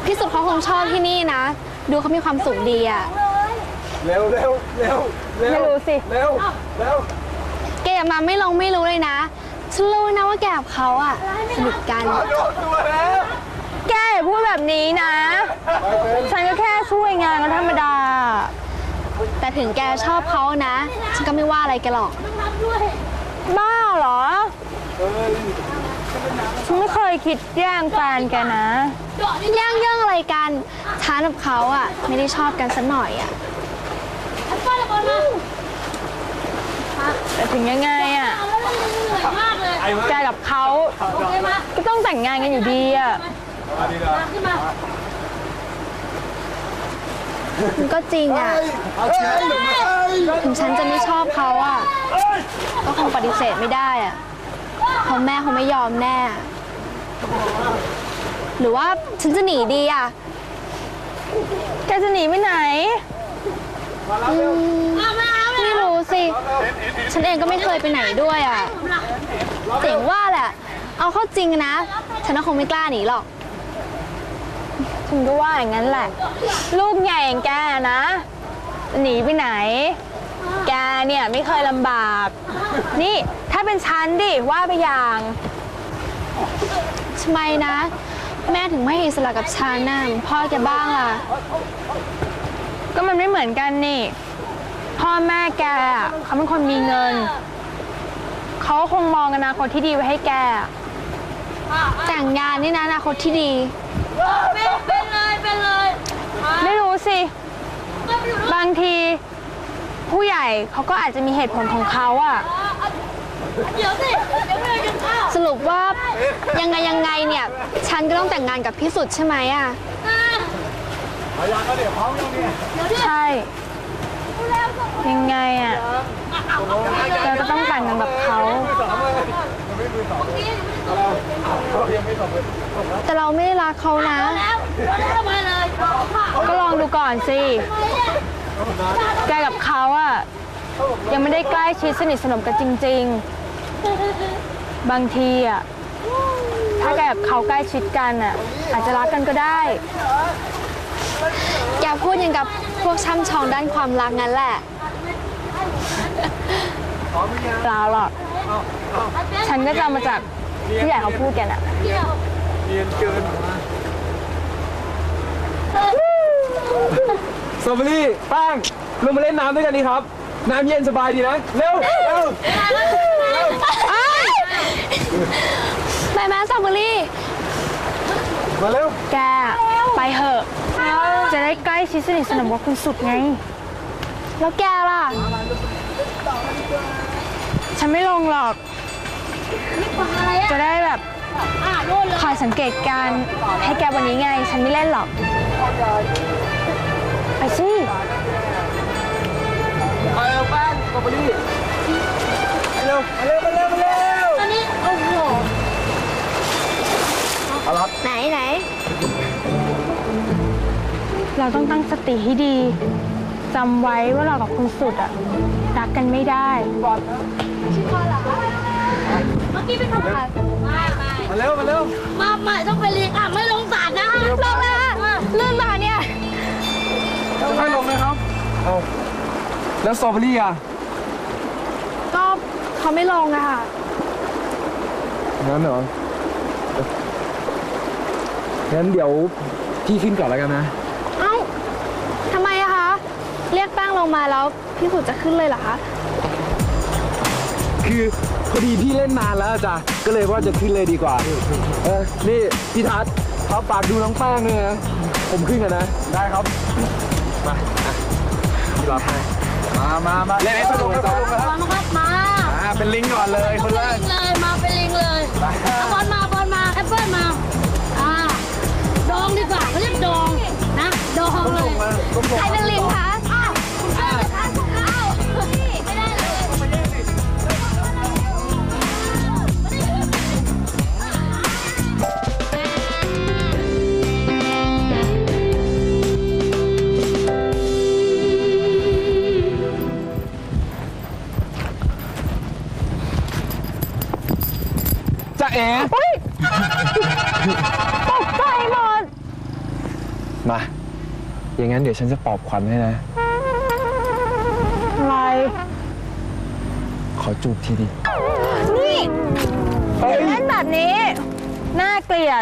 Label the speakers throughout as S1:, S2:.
S1: พี่สุดเขาคงชอบที่นี่นะดูเขามีความสุขดีอะ
S2: เร็ว
S3: ไม่รู้สิ
S2: เร็ว
S1: แกอย่ามาไม่รู้เลยนะฉันรู้นะว่าแกกับเขาอะสนิทกัน
S3: แกอย่าพูดแบบนี้นะฉันก็แค่ช่วยงานกันธรรมดา
S1: แต่ถึงแกชอบเขานะฉันก็ไม่ว่าอะไรแกหรอก
S3: บ้าเหรอฉันไม่เคยคิดแย่งแฟนแกนะ
S1: แย่งเรื่องอะไรกันฉันกับเขาอะไม่ได้ชอบกันสักหน่อยอะ
S3: แต่ถึงยังไงอะแกกับเขาก็ต้องแต่งงานกันอยู่ดีอะ
S1: มันก็จริงอะถึงฉันจะไม่ชอบเขาอะก็คงปฏิเสธไม่ได้อะเพราะแม่เขาไม่ยอมแน่หรือว่าฉันจะหนีดีอะ
S3: แกจะหนีไปไหน
S1: ไม่รู้สิฉันเองก็ไม่เคยไปไหนด้วยอะเจ๋งว่าแหละเอาเข้าจริงนะฉันก็คงไม่กล้าหนีหรอก
S3: ฉันก็ว่าอย่างนั้นแหละลูกใหญ่อย่างแกนะหนีไปไหนแกเนี่ยไม่เคยลำบากนี่ถ้าเป็นฉันดิว่าไปอย่าง
S1: ทำไมนะแม่ถึงไม่ให้อิสระกับฉันน่ะพ่อแกบ้างล่ะ
S3: ก็มันไม่เหมือนกันนี่พ่อแม่แกเขาเป็นคนมีเงินเขาคงมองอนาคตที่ดีไว้ให้แก
S1: แต่งงานนี่นะอนาคตที่ดี
S3: เป็นเลยไม่รู้สิบางทีผู้ใหญ่เขาก็อาจจะมีเหตุผลของเขาอะ
S1: สรุปว่ายังไงเนี่ยฉันก็ต้องแต่งงานกับพี่สุดใช่ไหมอะ
S3: ใช่ยังไงอะเราจะต้องแต่งงานกับเขา
S1: แต่เราไม่ได้รักเขานะ
S3: ก็ลองดูก่อนสิแกกับเขาอะยังไม่ได้ใกล้ชิดสนิทสนมกันจริงๆบางทีอะถ้าแกกับเขาใกล้ชิดกันอะอาจจะรักกันก็ได้
S1: แกพูดอย่างกับพวกช่ำชองด้านความรักงั้นแหละ
S3: เปล่าหรอกฉันก็จำมาจากผู้ใหญ่เขาพูดกันอะ
S2: เนียนเกินสตรอเบอรี่แป้งลงมาเล่นน้ำด้วยกันดีครับน้ำเย็นสบายดีนะเร็ว
S1: แม่สตรอเบอรี่
S2: มาเร็ว
S3: แกไปเหอะจะได้ใกล้ชิดสนิทสนมกับคุณสุดไง
S1: แล้วแกล่ะ
S3: ฉันไม่ลงหรอกจะได้แบบคอยสังเกตการให้แกวันนี้ไงฉันไม่เล่นหรอกไปสิ
S2: ไปเร็วแป้งสตรอเบอรี่เร็ว
S1: อันนี้โอ้โห
S2: เอาละ
S1: ไหน
S3: เราต้องตั้งสติให้ดีจำไว้ว่าเรากับคุณสุดอะรักกันไม่ได้
S1: ชื่อพ่อเหรอเมื่อกี้เป็นคำถาม
S2: มาเร็ว
S1: มาใหม่ต้องไปเรียนอ่ะไม่ลงสารนะลงแล้วลื่นมาเนี่ย
S2: ไม่ลงนะครับเอาแล้วสตรอเบอรี่อ่ะ
S1: ก็เขาไม่ลงอะค่ะ
S2: งั้นเหรองั้นเดี๋ยวพี่ขึ้นก่อนแล้วกันนะ
S1: เอ้าทำไมอะคะเรียกแป้งลงมาแล้วพี่สุดจะขึ้นเลยเหรอคะ
S2: คือพอดีพี่เล่นนานแล้วจ้ะก็เลยว่าจะขึ้นเลยดีกว่านี่พี่ทัศน์ครับฝากดูน้องแป้งด้วยนะผมขึ้นกันนะได้ครับมาพี่รับให้มาเล่นให้สนุกนะมาเป็นลิงก่อนเลยคนแรก
S1: เลยมาเป็นลิงเลยบอลมาแอปเปิ้ลมาดองดีกว่าเขาเรียกดองนะดองเลยใครเป็นลิงคะ
S2: จะเอ๋มา อย่างนั้นเดี๋ยวฉันจะปลอบขวัญให้นะ
S3: อะไร
S2: ขอจูบทีดิ
S3: นี่
S2: เฮ้ย
S3: เล่นแบบนี้ น่าเกลียด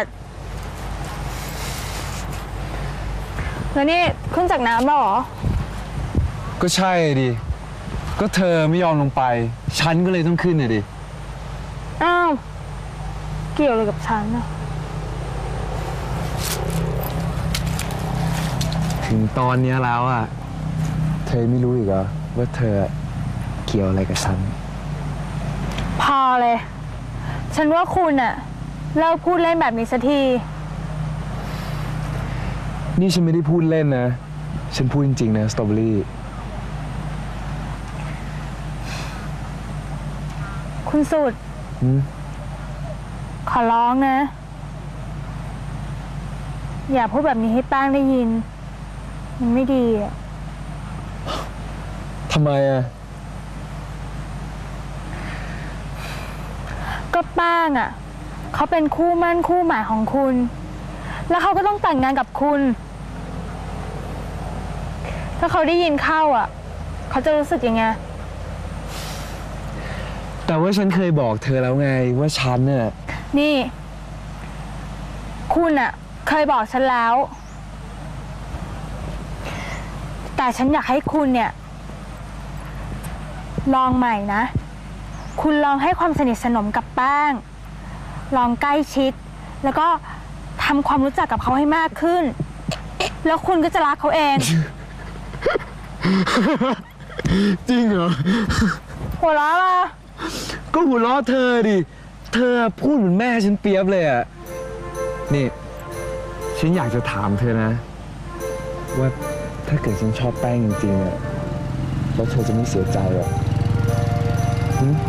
S3: แล้วนี่ขึ้นจากน้ำแล้วเหรอ
S2: ก็ใช่ดิ ก็เธอไม่ยอมลงไป ฉันก็เลยต้องขึ้นน่ะดิ
S3: อ้าว เกี่ยวอะไรกับฉันอะ
S2: ถึงตอนนี้แล้วอ่ะ เธอไม่รู้อีกเหรอว่าเธอเกี่ยวอะไรกับฉัน
S3: พอเลย ฉันว่าคุณอะเลิกพูดเล่นแบบนี้สักที
S2: นี่ฉันไม่ได้พูดเล่นนะ ฉันพูดจริงๆนะสตรอเบอรี่
S3: คุณสุด
S2: หืม
S3: ขอร้องนะ อย่าพูดแบบนี้ให้แป้งได้ยิน มันไม่ดีอะ
S2: ทำไมอ่ะ
S3: ก็แป้งอะเขาเป็นคู่มั่นคู่หมายของคุณ แล้วเขาก็ต้องแต่งงานกับคุณ ถ้าเขาได้ยินเข้าอะเขาจะรู้สึกยังไง
S2: แต่ว่าฉันเคยบอกเธอแล้วไงว่าฉันน่ะ
S3: นี่ คุณอะเคยบอกฉันแล้ว แต่ฉันอยากให้คุณเนี่ย ลองใหม่นะ คุณลองให้ความสนิทสนมกับแป้ง ลองใกล้ชิด แล้วก็ทำความรู้จักกับเขาให้มากขึ้น แล้วคุณก็จะรักเขาเอง
S2: จริงเหรอ
S3: หัวเราะล่ะ
S2: ก็หัวเราะเธอดิ เธอพูดเหมือนแม่ฉันเปรียบเลยอ่ะ นี่ ฉันอยากจะถามเธอนะ ว่าถ้าเกิดฉันชอบแป้งจริงๆอ่ะแล้วเธอจะไม่เสียใจหรอหึ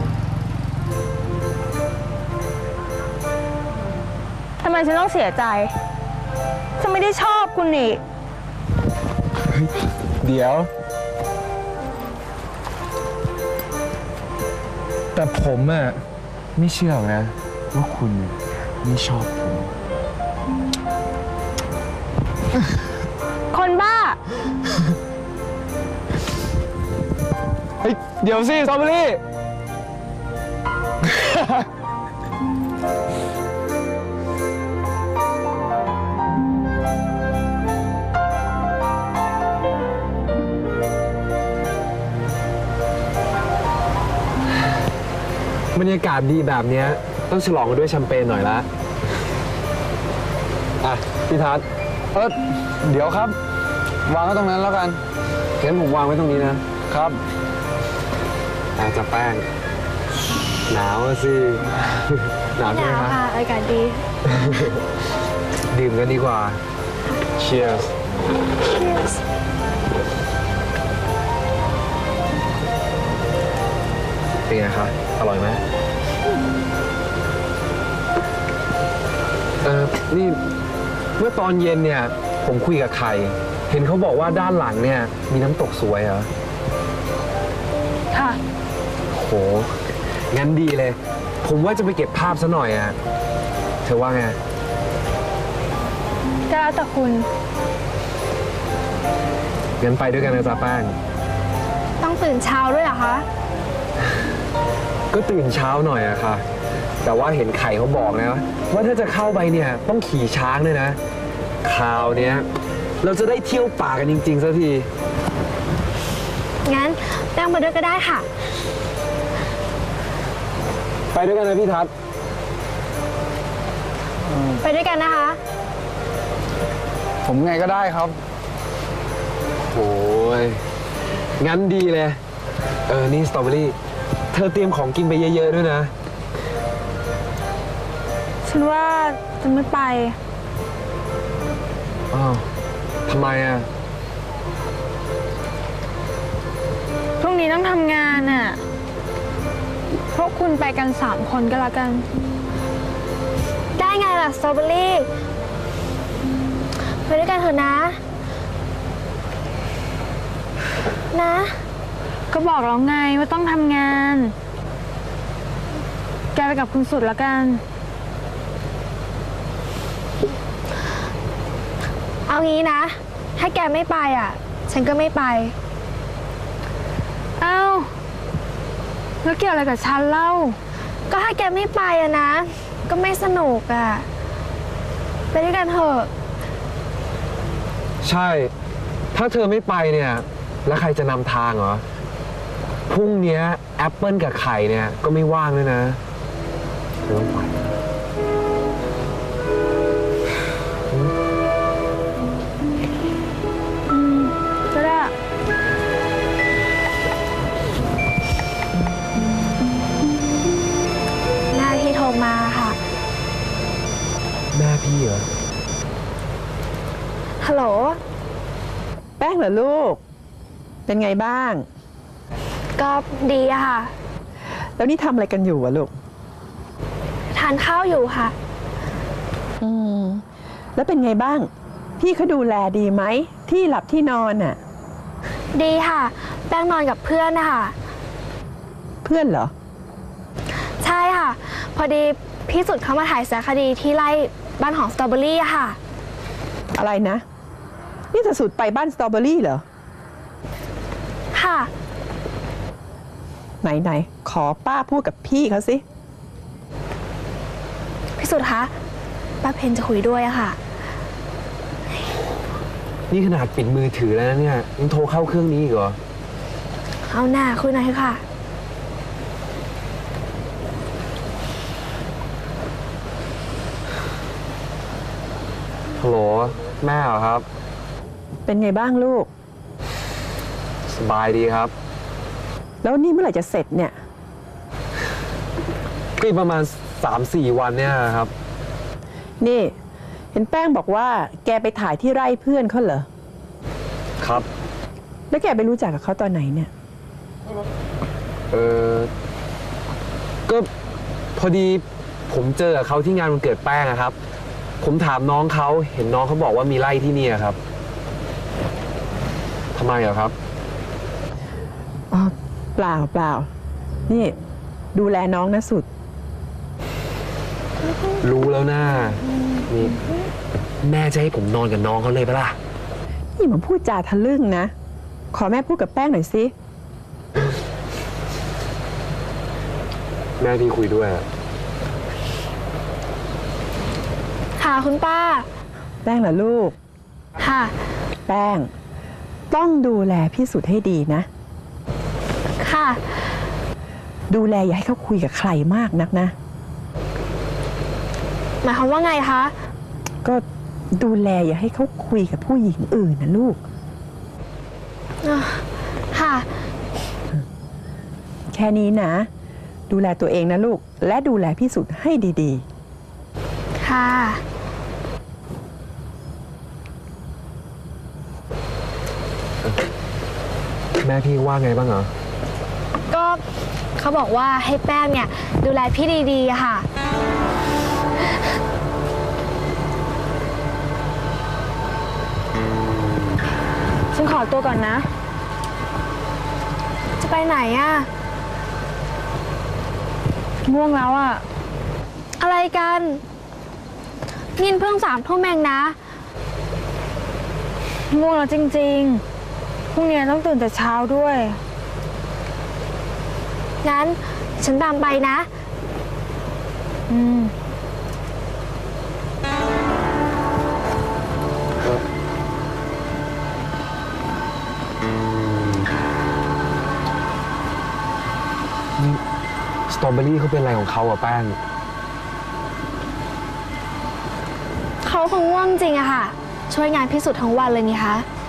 S3: ทำไมฉันต้องเสียใจ ฉันไม่ได้ชอบคุณนี่
S2: เดี๋ยว แต่ผมอ่ะไม่เชื่อหรอกนะ ว่าคุณไม่ชอบผม
S3: คนบ้า
S2: เฮ้ย เดี๋ยวสิสตรอเบอรี่ บรรยากาศดีแบบเนี้ยต้องฉลองกันด้วยแชมเปญหน่อยละ อ่ะ พี่ทัศน์เดี๋ยวครับ วางไว้ตรงนั้นแล้วกันเห็นผมวางไว้ตรงนี้นะ ครับอาจะแป้ง หนาวอะสิ หนาวใช่ไหมครับ
S3: อากาศดี
S2: ดื่มกันดีกว่า Cheers เป็นไงคะอร่อยไหมนี่เมื่อตอนเย็นเนี่ย ผมคุยกับใคร เห็นเขาบอกว่าด้านหลังเนี่ย มีน้ำตกสวยเหรอ
S3: ค่ะ
S2: โห งั้นดีเลย ผมว่าจะไปเก็บภาพซะหน่อยอะเธอว่าไง
S3: ก็แล้วแต่คุณ
S2: งั้นไปด้วยกันนะจ๊ะแป้ง
S3: ต้องตื่นเช้าด้วยเหรอคะ
S2: ก็ตื่นเช้าหน่อยอะค่ะ แต่ว่าเห็นไข่เขาบอกนะ ว่าถ้าจะเข้าไปเนี่ยต้องขี่ช้างด้วยนะ คราวเนี้ยเราจะได้เที่ยวป่ากันจริงๆสักที
S1: งั้นแป้งไปด้วยก็ได้ค่ะ
S2: ไปด้วยกันนะพี่ทัศน์
S1: ไปด้วยกันนะคะ
S2: ผมไงก็ได้ครับ โอ้ย งั้นดีเลย นี่สตรอเบอรี่ เธอเตรียมของกินไปเยอะๆด้วยนะ
S3: ฉันว่าจะไม่ไป
S2: อ้าวทำไมอ่ะ
S3: พรุ่งนี้ต้องทำงานน่ะ พวกคุณไปกัน3 คนก็แล้วกัน
S1: ได้ไงล่ะสตรอเบอรี่ไปด้วยกันเถอะนะ นะ
S3: ก็บอกแล้วไงว่าต้องทำงาน แกไปกับคุณสุดแล้วกัน
S1: เอางี้นะ ถ้าแกไม่ไปอ่ะ ฉันก็ไม่ไป
S3: เอ้าแล้วเกี่ยวอะไรกับฉันเล่า
S1: ก็ถ้าแกไม่ไปอะนะ ก็ไม่สนุกอ่ะ ไปด้วยกันเถอะ
S2: ใช่ ถ้าเธอไม่ไปเนี่ย แล้วใครจะนำทางเหรอ พรุ่งเนี้ยแอปเปิลกับไข่เนี่ยก็ไม่ว่างด้วยนะเธอต้องไป
S3: ก็ได้
S1: แม่พี่โทรมาค่ะ
S2: แม่พี่เหรอ
S1: ฮัลโหล
S4: แป้งเหรอลูก เป็นไงบ้าง
S1: ก็ดีอะค่ะ
S4: แล้วนี่ทำอะไรกันอยู่อะลูก
S1: ทานข้าวอยู่ค่ะ
S4: อืม แล้วเป็นไงบ้าง พี่เขาดูแลดีไหม ที่หลับที่นอนน่ะ
S1: ดีค่ะ แป้งนอนกับเพื่อนนะคะ
S4: เพื่อนเหรอ
S1: ใช่ค่ะ พอดีพี่สุดเขามาถ่ายสารคดีที่ไร่บ้านของสตรอเบอรี่อะค่ะ
S4: อะไรนะ นี่จะสุดไปบ้านสตรอเบอรี่เหรอ
S1: ค่ะ
S4: ไหนขอป้าพูดกับพี่เขาสิ
S1: พี่สุดคะ ป้าเพนจะคุยด้วยอะค่ะ
S2: นี่ขนาดปิดมือถือแล้วนะเนี่ยยังโทรเข้าเครื่องนี้อีกเหรอ
S1: เอาหน้าคุยหน่อยเถอะค่ะ
S2: ฮัลโหลแม่เหรอครับ
S4: เป็นไงบ้างลูก
S2: สบายดีครับ
S4: แล้วนี่เมื่อไหร่จะเสร็จเนี่ย
S2: ก็อีกประมาณ 3-4 วันเนี่ยครับ
S4: นี่ เห็นแป้งบอกว่าแกไปถ่ายที่ไร่เพื่อนเขาเหรอ
S2: ครับ
S4: แล้วแกไปรู้จักกับเขาตอนไหนเนี่ย
S2: เออก็พอดีผมเจอกับเขาที่งานวันเกิดแป้งอะครับ ผมถามน้องเขาเห็นน้องเขาบอกว่ามีไร่ที่นี่อะครับทำไมเหรอครับ
S4: อ๋อ เปล่า นี่ดูแลน้องนะสุด
S2: รู้แล้วนะนี่แม่จะให้ผมนอนกับน้องเขาเลยปะล่ะ
S4: นี่มันพูดจาทะลึ่งนะ ขอแม่พูดกับแป้งหน่อยสิ
S2: แม่พี่คุยด้วยอะ
S1: ค่ะคุณป้า
S4: แป้งเหรอลูก
S1: ค่ะ
S4: แป้ง ต้องดูแลพี่สุดให้ดีนะ
S1: ค่ะ
S4: ดูแลอย่าให้เขาคุยกับใครมากนักนะ
S1: หมายความว่าไงคะ
S4: ก็ดูแลอย่าให้เขาคุยกับผู้หญิงอื่นนะลูก
S1: ค่ะ
S4: แค่นี้นะ ดูแลตัวเองนะลูก และดูแลพี่สุดให้ดี
S1: ค่ะ
S2: แม่พี่ว่าไงบ้างเหรอ
S1: ก็เขาบอกว่าให้แป้งเนี่ย ดูแลพี่ดีๆอะค่ะ
S3: ฉันขอตัวก่อนนะ
S1: จะไปไหนอะ
S3: ง่วงแล้วอะ
S1: อะไรกันนินเพิ่ง3 ทุ่มเองนะ
S3: ง่วงแล้วจริงๆ พรุ่งนี้ต้องตื่นแต่เช้าด้วย
S1: งั้นฉันตามไปนะ
S3: อืม
S2: นี่สตรอเบอรี่เขาเป็นอะไรของเขาอะแป้ง
S1: เขาคงง่วงจริงอะค่ะ ช่วยงานพิสูจน์ทั้งวันเลยนี่คะ